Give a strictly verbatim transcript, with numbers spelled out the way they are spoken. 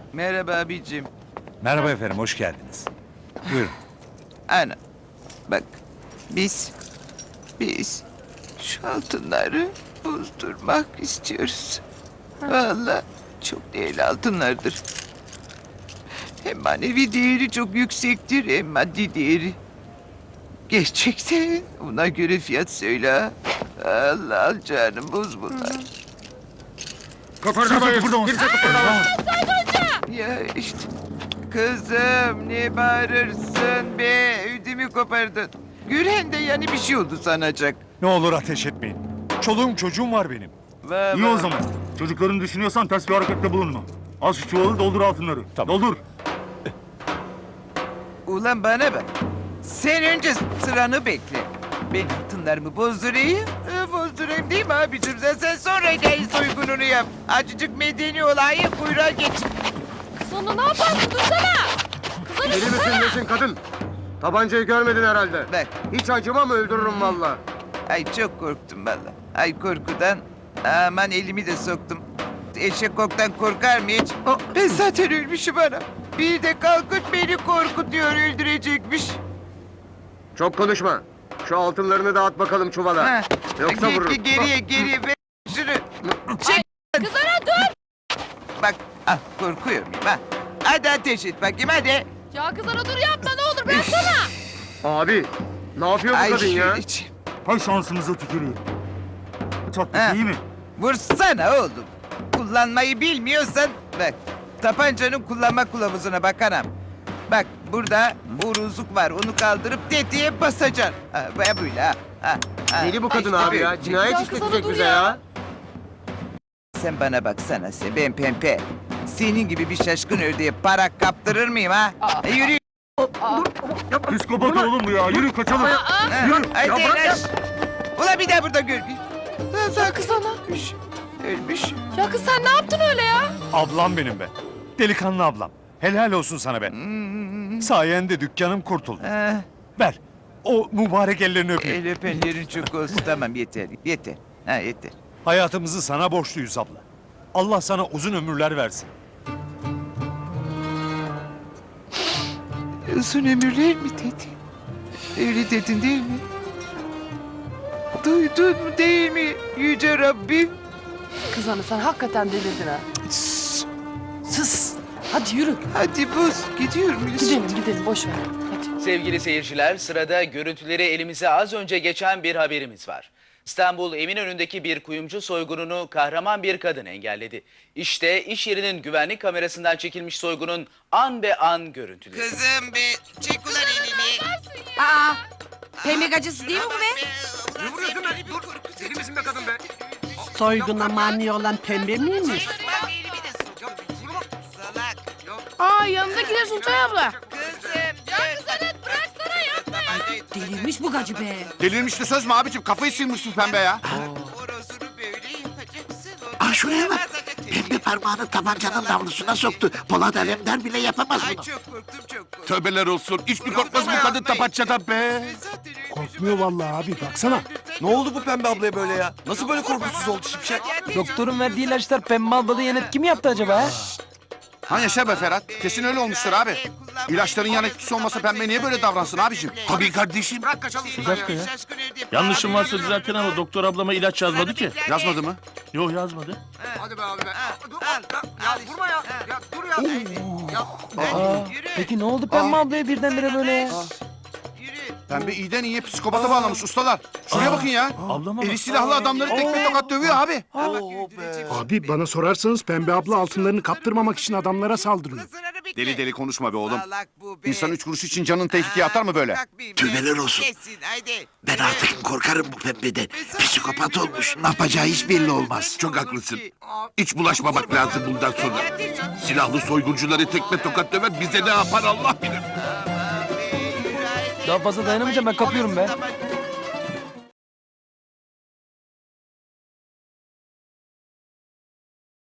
Merhaba abicim. Merhaba efendim, hoş geldiniz. Buyurun. Ana. Bak. Biz. Biz. Şu altınları bozdurmak istiyoruz. Vallahi çok değerli altınlardır. Hem manevi değeri çok yüksektir hem maddi değeri. Gerçekten ona göre fiyat söyle ha. Allah al canım boz bunlar. Kıpırdamayın. Kimse kıpırdamayın. Ya işte. Kızım ne bağırırsın be? Ödümü kopardın. Gören de yani bir şey oldu sanacak. Ne olur ateş etmeyin. Çoluğum çocuğum var benim. Va, İyi va. o zaman. Çocuklarını düşünüyorsan ters bir harekette bulunma. Al şu çuvalı doldur altınları. Tamam. Doldur. Ulan bana bak. Sen önce sıranı bekle. Ben altınlarımı bozdurayım. Ee, bozdurayım değil mi abicim? Sen, sen sonra gel soygununu yap. Acıcık medeni olayı kuyruğa geç. Sana ne yaparsın? Dursana! Kızana Deli misin nesin kadın? Tabancayı görmedin herhalde. Bak. Hiç acımam öldürürüm valla. Ay çok korktum valla. Ay korkudan. Aman elimi de soktum. Eşek koktan korkar mı hiç? Oh, ben zaten ölmüşüm ana. Bir de kalkıp beni korkutuyor öldürecekmiş. Çok konuşma. Şu altınlarını dağıt bakalım çuvala. Ha. Yoksa Ge- vururum. ge- Geriye geriye ver şunu. Çek. Kızana dur! Bak ah korkuyor muyum ha? Hadi ateş et bakayım hadi. Ya kızana dur yapma ne olur bıraksana! Abi ne yapıyor bu Ay kadın ya? şöyle çek. Hay şansımıza tükürüyor. Çatlık Ha. iyi mi? Vursana oğlum. Kullanmayı bilmiyorsan bak. Tapancanın kullanma kılavuzuna bak anam. Bak burada uruzluk var. Onu kaldırıp tetiğe basacaksın. Ha, böyle böyle ha. ha, ha. Deli bu kadın Ha, işte abi ya. böyle. Cinayet Ya kız işletecek dur bize ya. ya. Sen bana baksana sen ben pempe. Senin gibi bir şaşkın ördeğe para kaptırır mıyım ha? E, yürü. Psikopat oğlum bu ya. Yürü kaçalım. Ha, Yürü. Haydi Ya bırak Enes. Ulan bir daha burada gör. Ya kızana! Ölmüş. Ölmüş. Ya kız sen ne yaptın öyle ya? Ablam benim be. Delikanlı ablam. Helal olsun sana be. Sayende dükkanım kurtuldu. Ha, Ver. O mübarek ellerini öpeyim. el öpenlerin çok olsun. Tamam yeter. Yeter. Ha yeter. Hayatımızı sana borçluyuz abla. Allah sana uzun ömürler versin. Uzun ömürler mi dedi? Öyle dedin değil mi? Duydun mu değil mi Yüce Rabbim? Kızana sen hakikaten delirdin ha. Sus. Sus! Hadi yürü. Hadi boz gidiyor muyuz? Gidelim gidelim boş ver. Hadi. Sevgili seyirciler, sırada görüntüleri elimize az önce geçen bir haberimiz var. İstanbul Eminönü'ndeki bir kuyumcu soygununu kahraman bir kadın engelledi. İşte iş yerinin güvenlik kamerasından çekilmiş soygunun an be an görüntüleri. Kızım be çek ulan elini. Aa, pembe acısı değil mi bu be? Ne vuruyorsun be? Dur. Deli misin be kadın be? Soyguna mani olan pembe miymiş? Bak elimi de sok. Salak. Yok Aa yanındakiler Sultan abla. kızım. Ya kızım bıraksana yapma ya. Delirmiş bu gacı be. Delirmişti söz mü abicim? Kafayı sıyırmışsın pembe ya. Orasını böyle yapacaksın. Ah şuraya bak. Pembe parmağını tabancanın namlusuna soktu. Polat Alemdar bile yapamaz Ay bunu. çok korktum çok korktum. Tövbeler olsun. Hiç mi korkmaz bu kadın tapancadan be? Korkmuyor vallahi abi, baksana. Ne oldu bu pembe ablaya böyle ya? Nasıl böyle korkusuz oldu şimşek? Doktorun verdiği ilaçlar pembe ablada yan etki mi yaptı acaba? Ha yaşa be Ferhat. Kesin öyle olmuştur abi. İlaçların yan etkisi olmasa pembe niye böyle davransın abicim? Tabii kardeşim. Bırak kaçalım Bir şuradan ya. dakika ya. Yanlışım varsa düzeltin ama doktor ablama ilaç yazmadı ki. Yazmadı mı? Yok yazmadı. Hadi be abi be. Dur al, bak. Ya, al ya vurma ya. işte. Ya dur ya. Ya. Aa, peki ne oldu pembe ablaya birdenbire böyle ya? Yürü. Pembe iyiden iyiye psikopata bağlamış ustalar. Şuraya bakın ya. Ablama Eli bak. silahlı adamları tekme tokat dövüyor abi. Abi bana sorarsanız pembe abla altınlarını kaptırmamak için adamlara saldırıyor. Deli deli konuşma be oğlum. Salak bu be. İnsan üç kuruş için canını tehlikeye atar mı böyle? Kalkmayayım Tüymeler be. olsun. Kesin haydi. Ben artık korkarım bu pembeden. Psikopat olmuş. Ne yapacağı hiç belli olmaz. Çok haklısın. Hiç bulaşmamak lazım bundan sonra. Silahlı soyguncuları tekme tokat döver bize ne yapar Allah bilir. Daha fazla dayanamayacağım, ben kapıyorum be.